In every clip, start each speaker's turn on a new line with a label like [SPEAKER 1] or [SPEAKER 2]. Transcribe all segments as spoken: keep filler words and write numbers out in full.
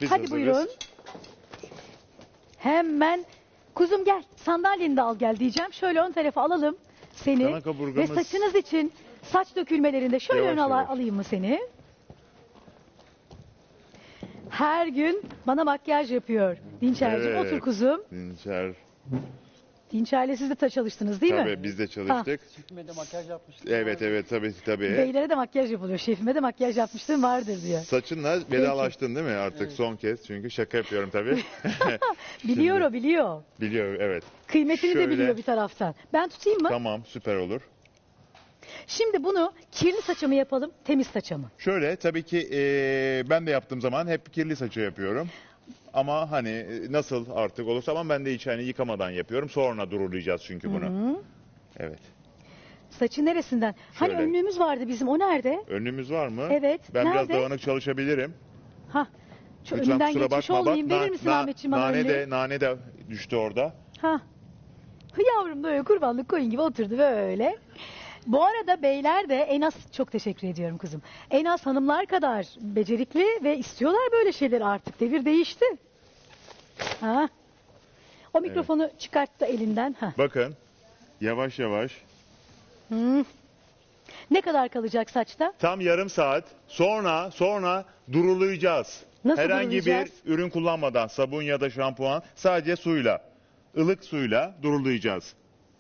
[SPEAKER 1] Biz
[SPEAKER 2] Hadi
[SPEAKER 1] hazırız.
[SPEAKER 2] buyurun. Hemen kuzum gel sandalyeni de al gel diyeceğim. Şöyle ön tarafa alalım seni.
[SPEAKER 1] Dana kaburgamız-
[SPEAKER 2] Ve saçınız için saç dökülmelerinde şöyle
[SPEAKER 1] Yavaş
[SPEAKER 2] ön ala-
[SPEAKER 1] yavaş.
[SPEAKER 2] alayım mı seni? Her gün bana makyaj yapıyor. Dinçerciğim
[SPEAKER 1] Evet.
[SPEAKER 2] otur kuzum.
[SPEAKER 1] Dinçer.
[SPEAKER 2] Dinçerle siz de ta- çalıştınız değil mi?
[SPEAKER 1] Tabii biz de çalıştık.
[SPEAKER 3] Şefime de makyaj yapmıştım.
[SPEAKER 1] Evet evet tabii tabii.
[SPEAKER 2] Beylere de makyaj yapılıyor. Şefime de makyaj yapmıştım vardır diyor.
[SPEAKER 1] Saçınla vedalaştın değil mi artık son kez? Çünkü şaka yapıyorum tabii.
[SPEAKER 2] Biliyor
[SPEAKER 1] Şimdi-
[SPEAKER 2] o biliyor.
[SPEAKER 1] Biliyor evet.
[SPEAKER 2] Kıymetini de
[SPEAKER 1] Şöyle.
[SPEAKER 2] biliyor bir taraftan. Ben tutayım mı?
[SPEAKER 1] Tamam süper olur.
[SPEAKER 2] Şimdi bunu kirli saça mı yapalım, temiz saça mı?
[SPEAKER 1] Şöyle tabii ki eee, ben de yaptığım zaman hep kirli saçı yapıyorum. Ama hani e, nasıl artık olursa ama ben de hiç hani yıkamadan yapıyorum. Sonra durulayacağız çünkü bunu. Evet.
[SPEAKER 2] Saçı neresinden? Hani
[SPEAKER 1] Şöyle.
[SPEAKER 2] önlüğümüz vardı bizim, o nerede?
[SPEAKER 1] Önlüğümüz var mı?
[SPEAKER 2] Evet,
[SPEAKER 1] Ben biraz
[SPEAKER 2] nerede?
[SPEAKER 1] dağınık çalışabilirim.
[SPEAKER 2] Ha, şu
[SPEAKER 1] Lütfen
[SPEAKER 2] önünden
[SPEAKER 1] kusura
[SPEAKER 2] geçmiş
[SPEAKER 1] bakma.
[SPEAKER 2] olmayayım.
[SPEAKER 1] Bak,
[SPEAKER 2] Verir
[SPEAKER 1] na-
[SPEAKER 2] misin
[SPEAKER 1] na-
[SPEAKER 2] Ahmetciğim bana
[SPEAKER 1] nane
[SPEAKER 2] önlüğü?
[SPEAKER 1] de, nane de düştü orada.
[SPEAKER 2] Ha. Hı, yavrum böyle kurbanlık koyun gibi oturdu böyle. Bu arada beyler de en az, çok teşekkür ediyorum kızım. En az hanımlar kadar becerikli ve istiyorlar böyle şeyleri artık. Devir değişti. Ha. O mikrofonu çıkarttı elinden. Ha.
[SPEAKER 1] Bakın yavaş yavaş.
[SPEAKER 2] Hı. Ne kadar kalacak saçta?
[SPEAKER 1] Tam yarım saat sonra sonra durulayacağız.
[SPEAKER 2] Nasıl
[SPEAKER 1] Herhangi
[SPEAKER 2] durulayacağız?
[SPEAKER 1] bir ürün kullanmadan sabun ya da şampuan sadece suyla ılık suyla durulayacağız.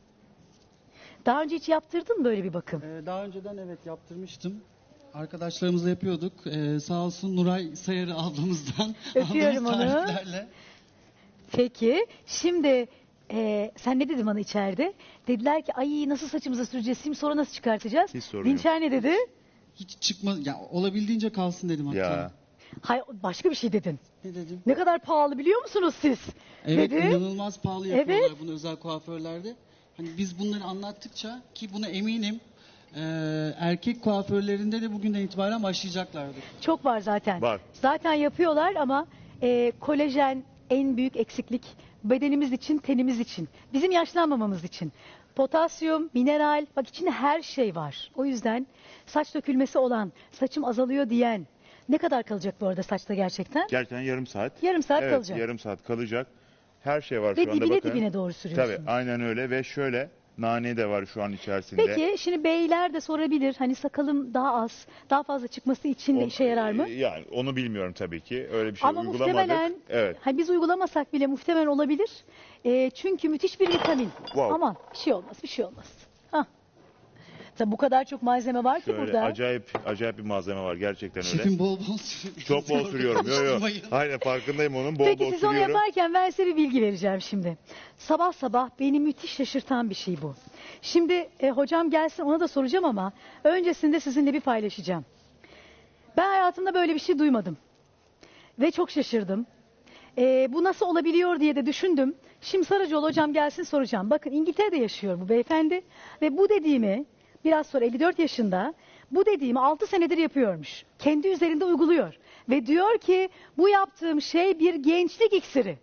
[SPEAKER 2] Daha önce hiç yaptırdın mı böyle bir bakım?
[SPEAKER 3] Ee, daha önceden evet yaptırmıştım. Arkadaşlarımızla yapıyorduk. Ee, sağ olsun Nuray Sayarı ablamızdan
[SPEAKER 2] Öpüyorum
[SPEAKER 3] aldığımız
[SPEAKER 2] onu.
[SPEAKER 3] tariflerle.
[SPEAKER 2] Peki şimdi e, sen ne dedin bana içeride? Dediler ki ay nasıl saçımıza süreceğiz şimdi sonra nasıl çıkartacağız?
[SPEAKER 1] Hiç sorun yok.
[SPEAKER 2] Dinçer ne dedi?
[SPEAKER 3] Hiç çıkma, ya olabildiğince kalsın dedim hatta.
[SPEAKER 1] Ya
[SPEAKER 2] Hayır başka bir şey dedin.
[SPEAKER 3] Ne dedim?
[SPEAKER 2] Ne kadar pahalı biliyor musunuz siz?
[SPEAKER 3] Evet
[SPEAKER 2] dedi.
[SPEAKER 3] inanılmaz pahalı yapıyorlar
[SPEAKER 2] Evet.
[SPEAKER 3] bunu özel kuaförlerde. Hani biz bunları anlattıkça ki buna eminim e, erkek kuaförlerinde de bugünden itibaren başlayacaklardır.
[SPEAKER 2] Çok var zaten.
[SPEAKER 1] Var.
[SPEAKER 2] Zaten yapıyorlar ama e, kolajen en büyük eksiklik bedenimiz için, tenimiz için. Bizim yaşlanmamamız için. Potasyum, mineral, bak içinde her şey var. O yüzden saç dökülmesi olan, saçım azalıyor diyen ne kadar kalacak bu arada saçta gerçekten?
[SPEAKER 1] gerçekten yarım saat.
[SPEAKER 2] Yarım saat
[SPEAKER 1] evet,
[SPEAKER 2] kalacak.
[SPEAKER 1] yarım saat kalacak. Her şey var
[SPEAKER 2] Ve
[SPEAKER 1] şu anda
[SPEAKER 2] dibine
[SPEAKER 1] bakın.
[SPEAKER 2] dibine doğru sürüyorsunuz.
[SPEAKER 1] Tabii aynen öyle ve şöyle nane de var şu an içerisinde.
[SPEAKER 2] Peki şimdi beyler de sorabilir hani sakalım daha az, daha fazla çıkması için de
[SPEAKER 1] O-
[SPEAKER 2] işe yarar mı?
[SPEAKER 1] Yani onu bilmiyorum tabii ki. Öyle bir şey
[SPEAKER 2] Ama
[SPEAKER 1] uygulamadık.
[SPEAKER 2] muhtemelen,
[SPEAKER 1] Evet.
[SPEAKER 2] hani biz uygulamasak bile muhtemelen olabilir. Ee, çünkü müthiş bir vitamin.
[SPEAKER 1] Wow.
[SPEAKER 2] Aman bir şey olmaz, bir şey olmaz. Hah. Tabii bu kadar çok malzeme var ki
[SPEAKER 1] Şöyle
[SPEAKER 2] burada.
[SPEAKER 1] acayip acayip bir malzeme var gerçekten öyle.
[SPEAKER 3] Şefim bol bol sürüyor.
[SPEAKER 1] Çok bol sürüyorum. Yo yo.
[SPEAKER 3] Konuşturmayın.
[SPEAKER 1] Aynen farkındayım onun. Bol
[SPEAKER 2] Peki
[SPEAKER 1] bol
[SPEAKER 2] siz onu
[SPEAKER 1] sürüyorum.
[SPEAKER 2] yaparken ben size bir bilgi vereceğim şimdi. Sabah sabah beni müthiş şaşırtan bir şey bu. Şimdi e, hocam gelsin ona da soracağım ama öncesinde sizinle bir paylaşacağım. Ben hayatımda böyle bir şey duymadım. Ve çok şaşırdım. E, bu nasıl olabiliyor diye de düşündüm. Şimdi Saracoğlu hocam gelsin soracağım. Bakın İngiltere'de yaşıyor bu beyefendi. Ve bu dediğimi biraz sonra elli dört yaşında bu dediğimi altı senedir yapıyormuş. Kendi üzerinde uyguluyor. Ve diyor ki bu yaptığım şey bir gençlik iksiri.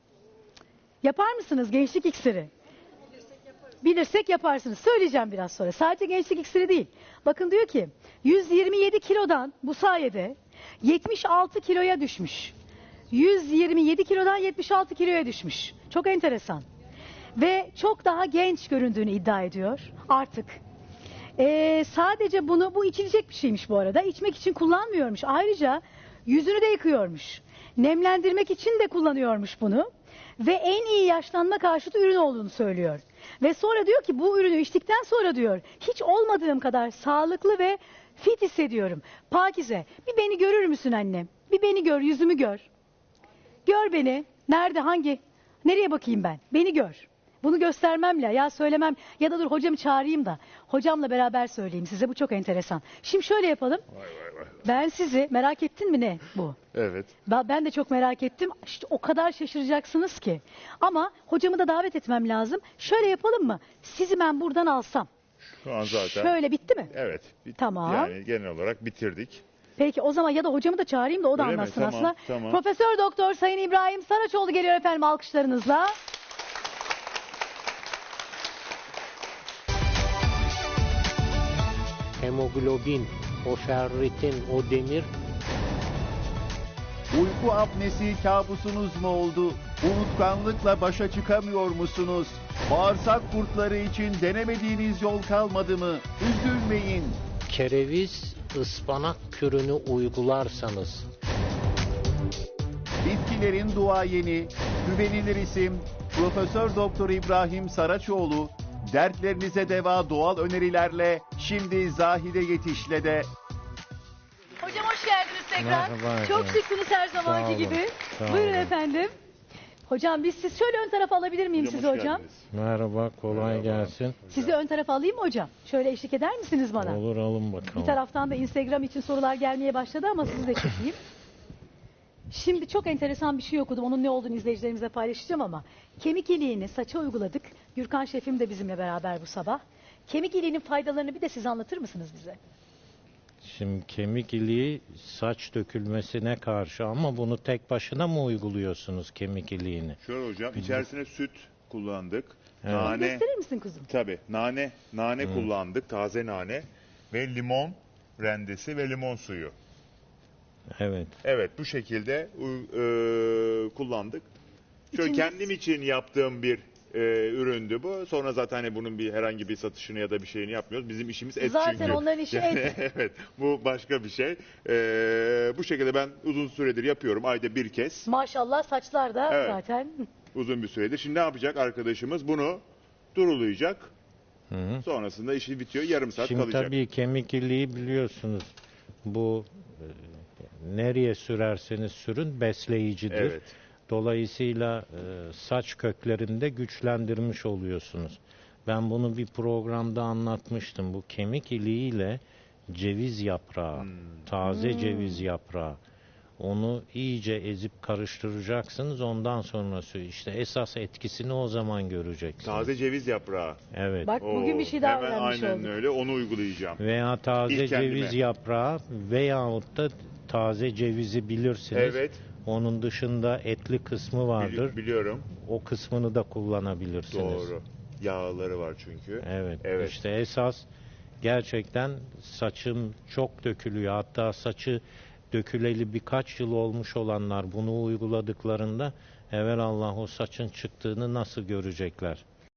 [SPEAKER 2] Yapar mısınız gençlik iksiri? Bilirsek yaparsınız. Söyleyeceğim biraz sonra. Sadece gençlik iksiri değil. Bakın diyor ki yüz yirmi yedi kilodan bu sayede yetmiş altı kiloya düşmüş. yüz yirmi yedi kilodan yetmiş altı kiloya düşmüş. Çok enteresan. Ve çok daha genç göründüğünü iddia ediyor artık. Ee, sadece bunu, bu içilecek bir şeymiş bu arada. İçmek için kullanmıyormuş. Ayrıca yüzünü de yıkıyormuş. Nemlendirmek için de kullanıyormuş bunu. Ve en iyi yaşlanma karşıtı ürün olduğunu söylüyor. Ve sonra diyor ki bu ürünü içtikten sonra diyor hiç olmadığım kadar sağlıklı ve fit hissediyorum. Pakize bir beni görür müsün annem? Bir beni gör, yüzümü gör. Gör beni. Nerede, hangi? Nereye bakayım ben? Beni gör. Bunu göstermemle ya söylemem ya da dur hocamı çağırayım da hocamla beraber söyleyeyim size, bu çok enteresan. Şimdi şöyle yapalım.
[SPEAKER 1] Vay vay vay.
[SPEAKER 2] Ben sizi merak ettin mi ne bu?
[SPEAKER 1] Evet.
[SPEAKER 2] Ben ben de çok merak ettim. İşte o kadar şaşıracaksınız ki. Ama hocamı da davet etmem lazım. Şöyle yapalım mı? Sizi ben buradan alsam.
[SPEAKER 1] Şu an zaten.
[SPEAKER 2] Şöyle bitti mi?
[SPEAKER 1] Evet. bit-
[SPEAKER 2] Tamam.
[SPEAKER 1] Yani genel olarak bitirdik.
[SPEAKER 2] Peki o zaman ya da hocamı da çağırayım da o da
[SPEAKER 1] Öyle mi?
[SPEAKER 2] anlatsın
[SPEAKER 1] Tamam,
[SPEAKER 2] aslında.
[SPEAKER 1] tamam.
[SPEAKER 2] Profesör Doktor Sayın İbrahim Saraçoğlu geliyor efendim alkışlarınızla.
[SPEAKER 4] Hemoglobin, o ferritin, o demir Uyku apnesi kabusunuz mu oldu? Unutkanlıkla başa çıkamıyor musunuz? Bağırsak kurtları için denemediğiniz yol kalmadı mı? Üzülmeyin.
[SPEAKER 5] Kereviz ıspanak kürünü uygularsanız
[SPEAKER 4] Bitkilerin duayeni, güvenilir isim Profesör Doktor İbrahim Saraçoğlu, dertlerinize deva doğal önerilerle şimdi Zahide Yetiş'le de
[SPEAKER 2] Hocam hoş geldiniz tekrar.
[SPEAKER 5] Merhaba
[SPEAKER 2] Çok
[SPEAKER 5] efendim.
[SPEAKER 2] şıksınız her zamanki
[SPEAKER 5] Sağ olun,
[SPEAKER 2] gibi.
[SPEAKER 5] sağ
[SPEAKER 2] Buyurun
[SPEAKER 5] olun.
[SPEAKER 2] efendim. Hocam biz siz şöyle ön tarafa alabilir miyim
[SPEAKER 1] Hocam
[SPEAKER 2] sizi
[SPEAKER 1] hoş
[SPEAKER 2] hocam?
[SPEAKER 1] geldiniz.
[SPEAKER 5] merhaba, kolay
[SPEAKER 1] Merhaba.
[SPEAKER 5] gelsin.
[SPEAKER 2] Sizi ön tarafa alayım mı hocam? Şöyle eşlik eder misiniz bana?
[SPEAKER 5] Olur, alın
[SPEAKER 2] Bir
[SPEAKER 5] bakalım.
[SPEAKER 2] taraftan da Instagram için sorular gelmeye başladı ama sizi de çekeyim. Şimdi çok enteresan bir şey okudum. Onun ne olduğunu izleyicilerimize paylaşacağım ama kemik iliğini saça uyguladık. Gürkan şefim de bizimle beraber bu sabah. Kemik iliğinin faydalarını bir de siz anlatır mısınız bize?
[SPEAKER 5] Şimdi kemik iliği saç dökülmesine karşı, ama bunu tek başına mı uyguluyorsunuz kemik iliğini?
[SPEAKER 1] Şöyle hocam, içerisine süt kullandık.
[SPEAKER 5] Evet.
[SPEAKER 1] Nane,
[SPEAKER 2] Gösterir misin kuzum?
[SPEAKER 1] tabii nane, nane kullandık, taze nane ve limon rendesi ve limon suyu.
[SPEAKER 5] Evet.
[SPEAKER 1] Evet, bu şekilde e, kullandık. Şöyle
[SPEAKER 2] İçinde-
[SPEAKER 1] kendim için yaptığım bir e, üründü bu. Sonra zaten hani bunun bir herhangi bir satışını ya da bir şeyini yapmıyoruz. Bizim işimiz et
[SPEAKER 2] Zaten
[SPEAKER 1] çünkü.
[SPEAKER 2] onların işi
[SPEAKER 1] Yani
[SPEAKER 2] et.
[SPEAKER 1] evet, bu başka bir şey. E, bu şekilde ben uzun süredir yapıyorum. Ayda bir kez.
[SPEAKER 2] Maşallah saçlar da
[SPEAKER 1] Evet.
[SPEAKER 2] zaten.
[SPEAKER 1] Uzun bir süredir. Şimdi ne yapacak arkadaşımız? Bunu durulayacak.
[SPEAKER 5] Hı hı.
[SPEAKER 1] Sonrasında işi bitiyor. Yarım saat
[SPEAKER 5] Şimdi
[SPEAKER 1] kalacak.
[SPEAKER 5] tabii kemik iliği biliyorsunuz, bu e, nereye sürerseniz sürün besleyicidir.
[SPEAKER 1] Evet.
[SPEAKER 5] Dolayısıyla e, saç köklerini de güçlendirmiş oluyorsunuz. Ben bunu bir programda anlatmıştım. Bu kemik iliğiyle ceviz yaprağı,
[SPEAKER 1] Hmm.
[SPEAKER 5] taze ceviz yaprağı, onu iyice ezip karıştıracaksınız. Ondan sonrası işte esas etkisini o zaman göreceksiniz.
[SPEAKER 1] Taze ceviz yaprağı.
[SPEAKER 5] Evet.
[SPEAKER 2] Bak bugün
[SPEAKER 1] Oo,
[SPEAKER 2] bir şey daha
[SPEAKER 1] hemen
[SPEAKER 2] öğrenmiş
[SPEAKER 1] aynen
[SPEAKER 2] olduk.
[SPEAKER 1] öyle. Onu uygulayacağım.
[SPEAKER 5] Veya taze
[SPEAKER 1] İlk kendime.
[SPEAKER 5] ceviz yaprağı veyahut da taze cevizi bilirsiniz.
[SPEAKER 1] Evet.
[SPEAKER 5] Onun dışında etli kısmı vardır.
[SPEAKER 1] Bili- biliyorum.
[SPEAKER 5] O kısmını da kullanabilirsiniz.
[SPEAKER 1] Doğru. Yağları var çünkü.
[SPEAKER 5] Evet.
[SPEAKER 1] Evet.
[SPEAKER 5] İşte esas gerçekten saçım çok dökülüyor. Hatta saçı döküleli birkaç yıl olmuş olanlar bunu uyguladıklarında evelallah o saçın çıktığını nasıl görecekler?